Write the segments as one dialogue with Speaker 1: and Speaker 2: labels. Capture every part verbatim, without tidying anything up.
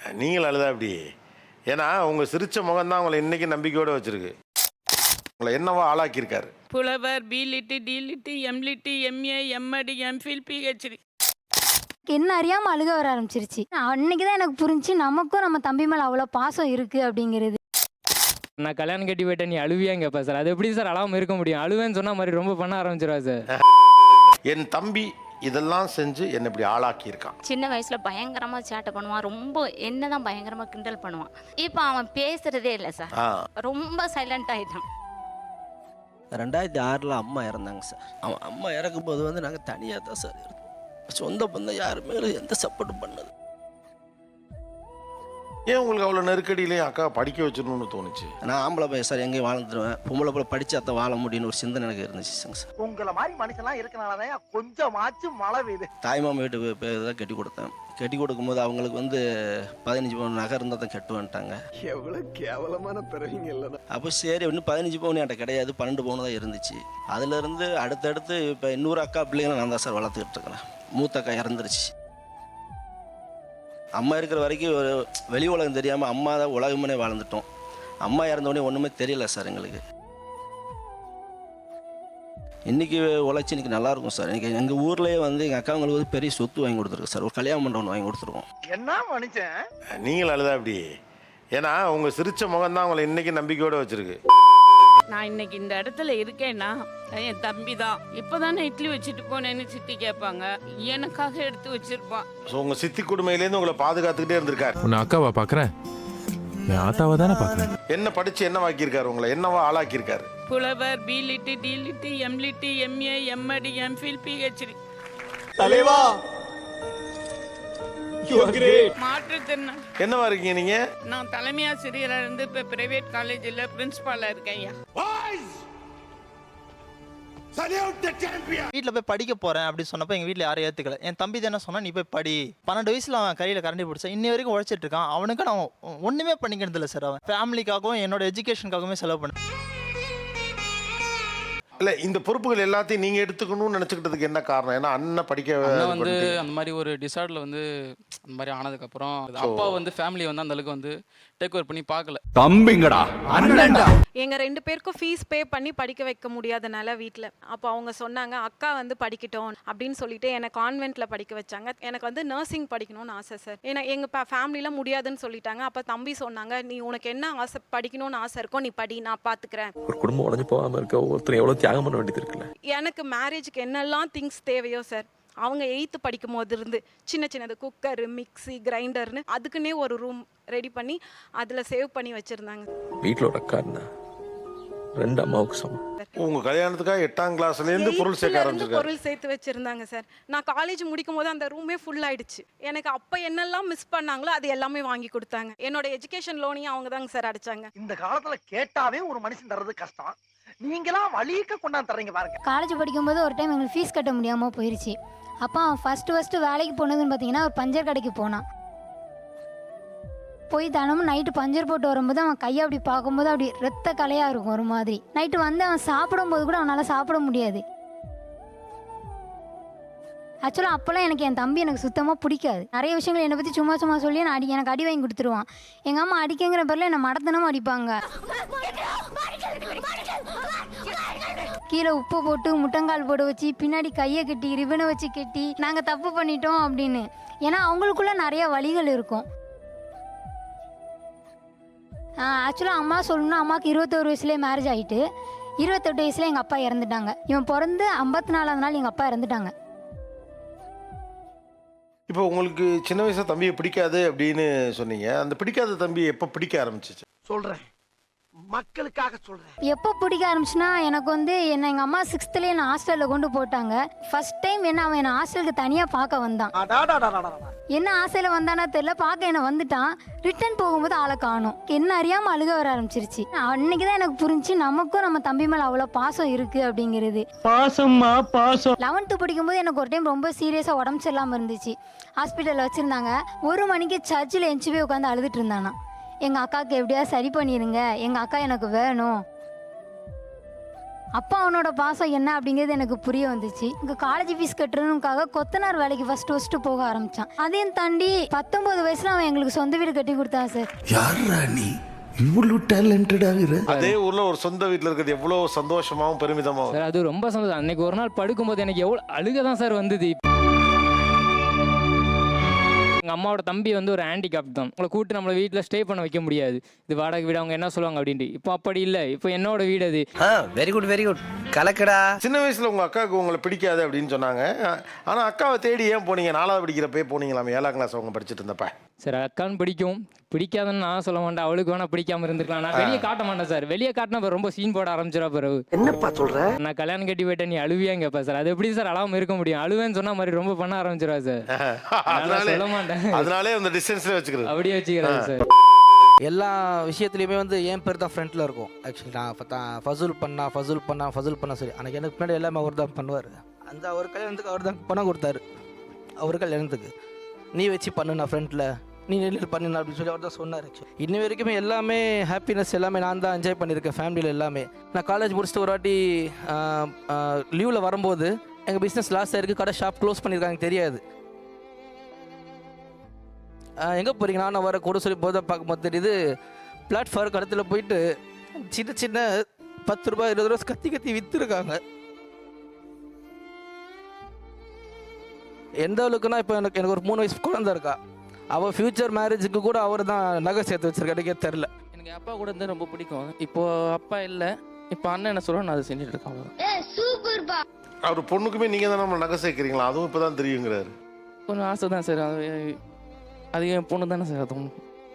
Speaker 1: நீங்கள் அழுதா அப்படி? ஏன்னா உங்கள் சிரிச்ச முகம் தான் உங்களை இன்னைக்கு நம்பிக்கையோடு வச்சுருக்கு. உங்களை என்னவோ ஆளாக்கியிருக்காரு.
Speaker 2: புலவர், B Litt, D Litt, M Litt, MA, MEd, MPhil, PhD.
Speaker 3: என்ன அறியாமல் அழுக வர ஆரம்பிச்சிருச்சு. அன்னைக்கு தான் எனக்கு புரிஞ்சு நமக்கும் நம்ம தம்பி மேலே அவ்வளோ பாசம் இருக்குது அப்படிங்கிறது.
Speaker 4: நான் கல்யாணம் கட்டி போயிட்டேன் நீ அழுவியாங்க கேட்பா சார். அது எப்படி சார் அழாமல் இருக்க முடியும்? அழுவேன்னு சொன்ன மாதிரி ரொம்ப பண்ண ஆரம்பிச்சிருவா சார்.
Speaker 1: என் தம்பி இதெல்லாம் செஞ்சு என்னை இப்படி ஆளாக்கி இருக்கான்.
Speaker 5: சின்ன வயசுல பயங்கரமா சேட்டை பண்ணுவான், ரொம்ப என்னதான் பயங்கரமா கிண்டல் பண்ணுவான். இப்போ அவன் பேசுறதே இல்லை சார், ரொம்ப சைலண்ட் ஆயிட்டான்.
Speaker 6: ரெண்டாயிரத்தி ஆறில் அம்மா இறந்தாங்க சார். அவன் அம்மா இறக்கும்போது வந்து நாங்கள் தனியாக தான் சார் இருந்தோம். சொந்த பந்தம் யாருமே எந்த சப்போர்ட்டும் பண்ணது.
Speaker 1: ஏன் உங்களுக்கு அவ்வளோ நெருக்கடியிலையும் அக்கா படிக்க வச்சிடணும்னு தோணுச்சு?
Speaker 6: நான் ஆம்பளை பையன் சார், எங்கேயும் வாழ்ந்துருவேன். பொம்பளை போல படிச்சு அத்தை வாழ முடியும்னு ஒரு சிந்தனை எனக்கு இருந்துச்சு சார்.
Speaker 7: உங்களை மாதிரி மனுஷன்லாம் இருக்கனாலதான் கொஞ்சமாச்சும் மழை பெய்யுது.
Speaker 6: தாய்மாமா வீட்டு பேர் தான் கட்டி கொடுத்தேன். கட்டி கொடுக்கும்போது அவங்களுக்கு வந்து பதினஞ்சு பவுன் நகை இருந்தால் தான் கட்டு வந்துட்டாங்க.
Speaker 7: எவ்வளவு கேவலமான பிறவிங்க இல்லைன்னா.
Speaker 6: அப்போ சரி இன்னும் பதினஞ்சு பவுன் என்கிட்ட கிடையாது, பன்னெண்டு பவுன் தான் இருந்துச்சு. அதுலேருந்து அடுத்தடுத்து இப்போ இன்னொரு அக்கா பிள்ளைங்களை நான் தான் சார் வளர்த்துக்கிட்டு இருக்கிறேன். மூத்த அக்கா இறந்துருச்சு. அம்மா இருக்கிற வரைக்கும் ஒரு வெளி உலகம் தெரியாமல் அம்மா தான் உலகமே வாழ்ந்துட்டோம். அம்மா இறந்தோடனே ஒன்றுமே தெரியல சார் எங்களுக்கு. இன்றைக்கி உழைச்சி இன்றைக்கி நல்லாயிருக்கும் சார். இன்றைக்கி எங்கள் ஊர்லேயே வந்து எங்கள் அக்காங்களுக்கு வந்து பெரிய சொத்து வாங்கி கொடுத்துருக்கு சார். ஒரு கல்யாண மண்டபம் வாங்கி கொடுத்துருக்கோம்.
Speaker 7: என்ன மனுஷன்
Speaker 1: நீங்கள் அழுதா அப்படி? ஏன்னா உங்கள் சிரிச்ச முகம் தான் உங்களை இன்னைக்கு நம்பிக்கையோடு வச்சுருக்கு.
Speaker 2: நான் இன்னைக்கு இந்த இடத்துல இருக்கேன்னா என் தம்பி தான். இப்போதானே இட்லி வச்சுட்டு போனேன்னு சித்தி கேட்பாங்க, எனக்காக எடுத்து வச்சிருப்பான்.
Speaker 1: ஸோ உங்கள் சித்தி கொடுமையிலேருந்து உங்களை பாதுகாத்துக்கிட்டே இருந்திருக்காரு.
Speaker 8: உன்னை அக்காவா பார்க்குறேன், என் ஆத்தாவை தானே பார்க்குறேன்.
Speaker 1: என்ன படித்து என்ன வாக்கியிருக்காரு, உங்களை என்னவா ஆளாக்கியிருக்காரு?
Speaker 2: புலவர், B Litt, D Litt, M Litt, MA, MEd, MPhil, PhD.
Speaker 7: தலைவா
Speaker 2: மாற்றுத்திறனாளி.
Speaker 1: என்னவா இருக்கீங்க நீங்க?
Speaker 2: நான் தலைமை ஆசிரியராக இருந்து இப்போ பிரைவேட் காலேஜில் பிரின்சிபாலாக இருக்கேன். ஐயா
Speaker 9: வீட்டில் போய் படிக்க போகிறேன் அப்படின்னு சொன்னப்போ எங்கள் வீட்டில் யாரும் ஏற்றுக்கல. என் தம்பி தானே சொன்னால் நீ போய் படி. பன்னெண்டு வயசில் அவன் கையில் கரண்டி பிடிச்சா இன்னி வரைக்கும் உழைச்சிட்டு இருக்கான். அவனுக்கு நான் ஒன்றுமே பண்ணிக்கிறது இல்லை சார். அவன் ஃபேமிலிக்காகவும் என்னோட எஜுகேஷனுக்காகவுமே செலவு பண்ண.
Speaker 1: இல்லை, இந்த பொறுப்புகள் எல்லாத்தையும் நீங்கள் எடுத்துக்கணும்னு நினச்சிக்கிட்டதுக்கு என்ன காரணம்? ஏன்னா அண்ணன் படிக்க
Speaker 10: வந்து அந்த மாதிரி ஒரு டிசார்டில் வந்து அந்த மாதிரி ஆனதுக்கப்புறம் அப்பா வந்து ஃபேமிலி வந்து அந்த அளவுக்கு வந்து டேக் ஓவர் பண்ணி பார்க்கல.
Speaker 8: தம்பிங்கடா அண்ணன்டா.
Speaker 11: எங்கள் ரெண்டு பேருக்கும் ஃபீஸ் பே பண்ணி படிக்க வைக்க முடியாதனால வீட்டில் அப்போ அவங்க சொன்னாங்க அக்கா வந்து படிக்கட்டும் அப்படின்னு சொல்லிட்டு என்னை கான்வென்ட்டில் படிக்க வச்சாங்க. எனக்கு வந்து நர்சிங் படிக்கணும்னு ஆசை சார். ஏன்னா எங்கள் ஃபேமிலியில் முடியாதுன்னு சொல்லிட்டாங்க. அப்போ தம்பி சொன்னாங்க, நீ உனக்கு என்ன ஆசை படிக்கணும்னு ஆசை இருக்கோ நீ படி, நான் பார்த்துக்கிறேன்.
Speaker 8: ஒரு குடும்பம் உடஞ்சு போகாமல் இருக்க ஒவ்வொருத்தரும் எவ்வளோ தியாகம் பண்ண வேண்டியது இருக்குல்ல.
Speaker 11: எனக்கு மேரேஜுக்கு என்னெல்லாம் திங்ஸ் தேவையோ சார், அவங்க எயித்து படிக்கும் போது இருந்து சின்ன சின்னது குக்கர், மிக்சி, கிரைண்டர்னு அதுக்குன்னே ஒரு ரூம் ரெடி பண்ணி அதில் சேவ் பண்ணி வச்சுருந்தாங்க.
Speaker 8: வீட்டில் ஒரு அக்கா இருந்தா ரெண்டு அம்மாவுக்கு சமம்.
Speaker 1: உங்க கல்யாணத்துக்காக எட்டாம் கிளாஸ்லேருந்து பொருள் சேர்க்க ஆரம்பிச்சிருக்காரு.
Speaker 11: பொருள் சேர்த்து வச்சிருந்தாங்க சார். நான் காலேஜ் முடிக்கும் போது அந்த ரூமே ஃபுல் ஆயிடுச்சு. எனக்கு அப்போ என்னெல்லாம் மிஸ் பண்ணாங்களோ அது எல்லாமே வாங்கி கொடுத்தாங்க. என்னோட எஜுகேஷன் லோனையும் அவங்க தாங்க சார் அடைச்சாங்க.
Speaker 7: இந்த காலத்துல கேட்டாவே ஒரு மனுஷன் தர்றது கஷ்டம், நீங்களாம் வலிக்க கொண்டாந்து தர்றீங்க பாருங்க.
Speaker 3: காலேஜ் படிக்கும்போது ஒரு டைம் எங்களுக்கு ஃபீஸ் கட்ட முடியாமல் போயிடுச்சு. அப்போ ஃபஸ்ட்டு ஃபஸ்ட்டு வேலைக்கு போனதுன்னு பார்த்தீங்கன்னா ஒரு பஞ்சர் கடைக்கு போனான். போய் தினமும் நைட்டு பஞ்சர் போட்டு வரும்போது அவன் கையை அப்படி பார்க்கும்போது அப்படி ரத்த கலையாக இருக்கும் ஒரு மாதிரி. நைட்டு வந்து அவன் சாப்பிடும்போது கூட அவனால் சாப்பிட முடியாது. ஆக்சுவலாக அப்போல்லாம் எனக்கு என் தம்பி எனக்கு சுத்தமாக பிடிக்காது. நிறைய விஷயங்கள் என்னை பற்றி சும்மா சும்மா சொல்லி நான் அடி எனக்கு அடி வாங்கி கொடுத்துருவான். எங்கள் அம்மா அடிக்கங்கிற பேரில் என்னை மடத்தனமும் அடிப்பாங்க. கீழே உப்பு போட்டு முட்டங்கால் போட வச்சு பின்னாடி கையை கட்டி ரிபனை வச்சு கட்டி நாங்கள் தப்பு பண்ணிட்டோம் அப்படின்னு. ஏன்னா அவங்களுக்குள்ள நிறைய வழிகள் இருக்கும். ஆக்சுவலாக அம்மா சொல்லணும்னா அம்மாவுக்கு இருபத்தோரு வயசுலேயே மேரேஜ் ஆகிட்டு இருபத்தெட்டு வயசுல எங்கள் அப்பா இறந்துட்டாங்க. இவன் பிறந்து ஐம்பத்தி நாலாவது நாள் எங்கள் அப்பா இறந்துட்டாங்க.
Speaker 1: இப்போ உங்களுக்கு சின்ன வயசுல தம்பியை பிடிக்காது அப்படின்னு சொன்னீங்க. அந்த பிடிக்காத தம்பி எப்போ பிடிக்க ஆரம்பிச்சிச்சு?
Speaker 7: சொல்றேன், மக்களுக்காக சொல்றேன்.
Speaker 3: எப்போ பிடிக்க ஆரம்பிச்சுன்னா எனக்கு வந்து என்ன எங்கள் அம்மா சிக்ஸ்த்துலேயே என்ன ஹாஸ்டலில் கொண்டு போட்டாங்க. ஃபர்ஸ்ட் டைம் என்ன அவன் என்னை ஹாஸ்டலுக்கு தனியாக பார்க்க வந்தான். என்ன ஆசையில் வந்தானா தெரியல, பார்க்க என்ன வந்துட்டான். ரிட்டர்ன் போகும்போது ஆளை காணும். என்ன அறியாமல் அழுக வர ஆரம்பிச்சிருச்சு. அன்னைக்கு தான் எனக்கு புரிஞ்சு நமக்கும் நம்ம தம்பி மேலே அவ்வளோ பாசம் இருக்குது அப்படிங்கிறது.
Speaker 9: பாசம்மா பாசம்.
Speaker 3: லெவன்த்து படிக்கும்போது எனக்கு ஒரு டைம் ரொம்ப சீரியஸாக உடம்பு சரியில்லாமல் இருந்துச்சு. ஹாஸ்பிட்டலில் வச்சுருந்தாங்க. ஒரு மணிக்கு சர்ச்சில் எஞ்சி போய் உட்காந்து அழுதுட்டு இருந்தானா. எங்கள் அக்காவுக்கு எப்படியா சரி பண்ணிடுங்க, எங்கள் அக்கா எனக்கு வேணும். அப்பா அவனோட பாசம் என்ன அப்படிங்கிறது எனக்கு புரிய வந்துச்சு. இங்கே காலேஜ் ஃபீஸ் கட்டுறதுக்காக கொத்தனார் வேலைக்கு ஃபர்ஸ்ட் ஃபர்ஸ்ட் போக ஆரம்பிச்சான். அதையும் தாண்டி பத்தொன்பது வயசுல அவன் எங்களுக்கு சொந்த வீடு கட்டி கொடுத்தான் சார்.
Speaker 8: யாரா நீ இவ்வளவு டேலண்டடாகிற?
Speaker 1: அதே ஊர்ல ஒரு சொந்த வீட்டுல இருக்கிறது எவ்வளவு சந்தோஷமாவும் பெருமிதமாவும்.
Speaker 4: சார் அது ரொம்ப சந்தோஷம். அன்னைக்கு ஒரு நாள் படுக்கும்போது எனக்கு எவ்வளோ அழுக தான் சார் வந்தது. எங்கள் அம்மாவோட தம்பி வந்து ஒரு ஹேண்டிகேப் தான். உங்களை கூப்பிட்டு நம்மளை வீட்டில் ஸ்டே பண்ண வைக்க முடியாது. இது வாடகை வீடு, அவங்க என்ன சொல்லுவாங்க அப்படின்ட்டு. இப்போ அப்படி இல்லை, இப்போ என்னோட வீடு அது.
Speaker 6: வெரி குட் வெரி குட் கலக்கடா.
Speaker 1: சின்ன வயசுல உங்க அக்காவுக்கு உங்களை பிடிக்காது அப்படின்னு சொன்னாங்க. ஆனா அக்காவை தேடி ஏன் போனீங்க? நாலாவது படிக்கிறப்பே போனீங்களாமே, ஏழாம் கிளாஸ் அவங்க படிச்சுட்டு இருந்தப்ப.
Speaker 4: சார் அக்கான்னு பிடிக்கும், பிடிக்காதுன்னு நான் சொல்ல மாட்டேன். அவளுக்கு வேணா பிடிக்காம இருந்துக்கலாம். நான் வெளியே காட்ட மாட்டேன் சார். வெளியே காட்டினா இப்போ ரொம்ப சீன் போட ஆரம்பிச்சிடா பிறகு.
Speaker 7: என்னப்பா சொல்ற?
Speaker 4: நான் கல்யாணம் கட்டி போயிட்டேன் நீ அழுவியாங்க கேட்பா சார். அது எப்படி சார் அழாம இருக்க முடியும்? அழுவேன்னு சொன்னா மாதிரி ரொம்ப பண்ண ஆரம்பிச்சிடா சார். அதனால சொல்ல மாட்டேன்.
Speaker 1: அதனாலே அந்த டிஸ்டன்ஸ்ல வச்சுக்கிறது,
Speaker 4: அப்படியே வச்சுக்கிறேன் சார்.
Speaker 6: எல்லா விஷயத்துலையுமே வந்து என் பேர் தான் ஃப்ரண்ட்டில் இருக்கும். ஆக்சுவலி நான் ஃபசூல் பண்ணா ஃபசூல் பண்ணா ஃபசூல் பண்ணா சரி, அன்றைக்கி எனக்கு பின்னாடி எல்லாமே அவர் தான் பண்ணுவார். அந்த அவர் கல்யாணத்துக்கு அவர் தான் பணம் கொடுத்தாரு. அவர் கல்யாணத்துக்கு நீ வச்சு பண்ணு, நான் ஃப்ரண்ட்டில் நீ நெல் பண்ணு அப்படின்னு சொல்லி அவர் தான் சொன்னார். இன்னி வரைக்குமே எல்லாமே ஹாப்பினஸ் எல்லாமே நான் தான் என்ஜாய் பண்ணியிருக்கேன் ஃபேமிலியில் எல்லாமே. நான் காலேஜ் முடிச்சுட்டு ஒரு வாட்டி லீவில் வரும்போது எங்கள் பிஸ்னஸ் லாஸ் ஆகிருக்கு, கடை ஷாப் க்ளோஸ் பண்ணியிருக்காங்க தெரியாது. எங்கே போகிறீங்க? நான் வர கூட சொல்லி போதை பார்க்கும்போது தெரியுது பிளாட்ஃபார்ம் கடத்தில் போயிட்டு சின்ன சின்ன பத்து ரூபாய் இருபது ரூபா கத்தி கத்தி விற்றுருக்காங்க. எந்த அளவுக்குன்னா இப்போ எனக்கு எனக்கு ஒரு மூணு வயசு குழந்தை இருக்கா. அவள் ஃப்யூச்சர் மேரேஜுக்கு கூட அவர் தான் நகை சேர்த்து வச்சிருக்க, எனக்கே தெரில.
Speaker 10: எனக்கு அப்பா கூட இருந்து ரொம்ப பிடிக்கும். இப்போ அப்பா இல்லை, இப்போ அண்ணன் என்ன சொல்கிறோம் நான் அதை செஞ்சுட்டு இருக்கேன்.
Speaker 1: அவர் பொண்ணுக்குமே நீங்க தான் நம்ம நகை சேர்க்கிறீங்களா? அதுவும் இப்பதான் தெரியுங்கிறாரு.
Speaker 10: கொஞ்சம் ஆசை தான் சார். அது அது என் பொண்ணு தானே சார். அதுவும்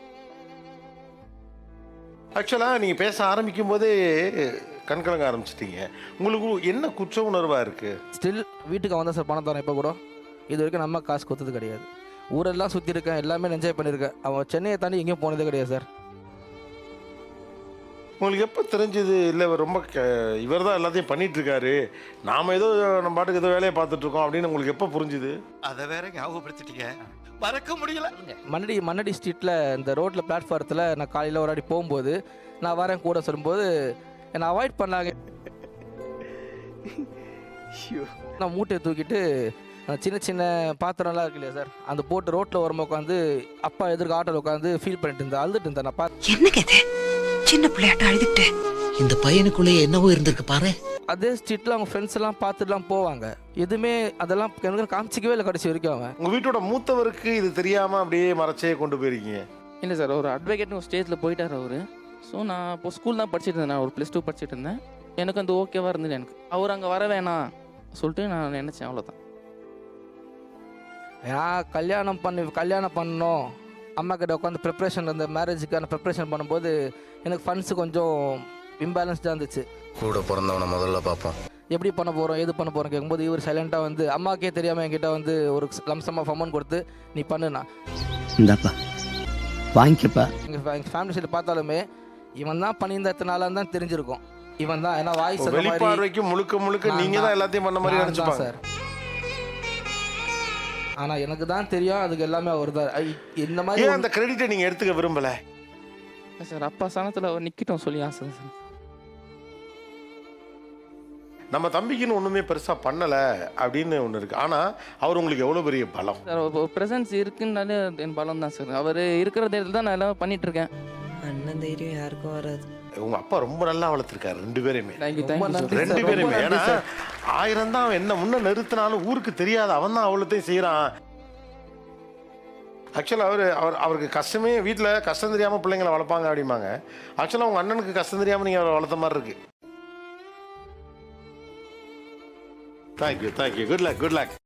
Speaker 1: ஆக்சுவலாக நீங்கள் பேச ஆரம்பிக்கும் போதே கண்கலங்க ஆரம்பிச்சிட்டீங்க. உங்களுக்கு என்ன குற்ற உணர்வாக இருக்குது?
Speaker 6: ஸ்டில் வீட்டுக்கு வந்தால் சார் பணம் தரேன். இப்போ கூட இது வரைக்கும் நம்ம காசு கொடுத்தது கிடையாது. ஊரெல்லாம் சுற்றி இருக்கேன், எல்லாமே என்ஜாய் பண்ணியிருக்கேன். அவன் சென்னையை தாண்டி எங்கேயும் போனதே கிடையாது சார்.
Speaker 1: உங்களுக்கு எப்போ தெரிஞ்சது இல்லை ரொம்ப இவர் தான் எல்லாத்தையும் பண்ணிகிட்ருக்காரு, நாம் ஏதோ நம்ம பாட்டுக்கு ஏதோ வேலையை பார்த்துட்ருக்கோம் அப்படின்னு உங்களுக்கு எப்போ புரிஞ்சுது?
Speaker 7: அதை வேற ஞாபகப்படுத்திட்டீங்க, மறக்க முடியல.
Speaker 6: மண்ணடி மண்ணடி ஸ்ட்ரீட்டில் இந்த ரோட்டில் பிளாட்ஃபாரத்தில் நான் காலையில் ஒரு வாட்டி போகும்போது நான் வரேன் கூட சொல்லும்போது என்னை அவாய்ட் பண்ணாங்க. நான் மூட்டையை தூக்கிட்டு சின்ன சின்ன பாத்திரம்லாம் இருக்கு இல்லையா சார், அந்த போட்டு ரோட்டில் ஓரமாக உட்காந்து அப்பா எதிர்க்க ஆட்டோவில் உட்காந்து ஃபீல் பண்ணிட்டு இருந்தேன், அழுதுட்டு இருந்தேன். நான் பார்த்து
Speaker 12: என்ன கேது சின்ன பிள்ளையாட்ட அழுதுட்டு இந்த பையனுக்குள்ளே என்னவோ இருந்திருக்கு பாரு.
Speaker 6: அதே ஸ்ட்ரீட்டில் அவங்க ஃப்ரெண்ட்ஸ் எல்லாம் பார்த்துட்டுலாம் போவாங்க. எதுவுமே அதெல்லாம் எனக்கு காமிச்சிக்கவே இல்லை கடைசி வரைக்கும். அவன்
Speaker 1: உங்கள் வீட்டோட மூத்தவருக்கு இது தெரியாமல் அப்படியே மறைச்சே கொண்டு போயிருக்கீங்க?
Speaker 10: இல்லை சார், ஒரு அட்வொகேட்னு ஒரு ஸ்டேஜில் போயிட்டார் அவர். ஸோ நான் இப்போ ஸ்கூல் தான் படிச்சுட்டு இருந்தேன். நான் ஒரு ப்ளஸ் டூ படிச்சுட்டு இருந்தேன். எனக்கு அந்த ஓகேவாக இருந்தது. எனக்கு அவர் அங்கே வர வேணாம் சொல்லிட்டு நான் நினச்சேன், அவ்வளோதான்.
Speaker 6: நான் கல்யாணம் பண்ணி கல்யாணம் பண்ணணும் அம்மா கிட்ட உட்காந்து ப்ரிப்ரேஷன், அந்த மேரேஜுக்கான ப்ரிப்ரேஷன் பண்ணும்போது எனக்கு ஃபண்ட்ஸு கொஞ்சம் இம்பேலன்ஸ்டாக இருந்துச்சு.
Speaker 8: கூட பிறந்தவனை முதல்ல பார்ப்போம்,
Speaker 6: எப்படி பண்ண போகிறோம் எது பண்ண போகிறோம் கேட்கும்போது இவர் சைலண்ட்டாக வந்து அம்மாக்கே தெரியாமல் என்கிட்ட வந்து ஒரு லம்சம் ஆஃப் அமௌண்ட் கொடுத்து நீ பண்ணுண்ணா
Speaker 12: இந்தாப்பா வாங்கிக்கப்பா.
Speaker 6: எங்கள் எங்கள் ஃபேமிலி சைடு பார்த்தாலுமே இவன் தான் பண்ணியிருந்த எத்தனை நாளாக தான் தெரிஞ்சிருக்கும். இவன் தான் ஏன்னா வாய்ஸ்
Speaker 1: வெளிப்பார்வைக்கு முழுக்க முழுக்க நீங்கள் தான் எல்லாத்தையும் பண்ண மாதிரி நினச்சிப்பாங்க
Speaker 6: சார். ஆனால் எனக்கு தான் தெரியும் அதுக்கு எல்லாமே அவர் தான். இந்த மாதிரி
Speaker 1: அந்த கிரெடிட்டை நீங்கள் எடுத்துக்க விரும்பலை
Speaker 10: சார். அப்பா சனத்தில் அவர் நிற்கட்டும் சொல்லி ஆசை சார்.
Speaker 1: நம்ம தம்பிக்குன்னு ஒன்றுமே பெருசாக பண்ணலை அப்படின்னு ஒன்று இருக்குது. ஆனால் அவர் உங்களுக்கு எவ்வளோ பெரிய பலம்
Speaker 10: சார். ஒரு ப்ரெசன்ஸ் இருக்குன்னாலே என் பலம் தான் சார். அவர் இருக்கிற தைரியத்தில் தான் நான் எல்லாம் பண்ணிட்டு இருக்கேன்.
Speaker 12: அண்ணன் தைரியம் யாருக்கும் வராது.
Speaker 1: உங்க அப்பா ரொம்ப நல்லா வளர்த்துருக்காரு ரெண்டு பேருமே.
Speaker 6: நன்றி
Speaker 1: ரெண்டு பேருமே. ஏன்னா ஆயிரம் தான் என்ன முன்ன நிறுத்தினாலும் ஊருக்கு தெரியாது, அவன் தான் அவ்வளோத்தையும் செய்கிறான். ஆக்சுவலாக அவர் அவர் அவருக்கு கஷ்டமே வீட்டில் கஷ்டம் தெரியாமல் பிள்ளைங்களை வளர்ப்பாங்க அப்படிம்பாங்க. ஆக்சுவலாக உங்கள் அண்ணனுக்கு கஷ்டம் தெரியாமல் நீங்கள் அவரை வளர்த்த மாதிரி இருக்கு. Thank you thank you good luck good luck.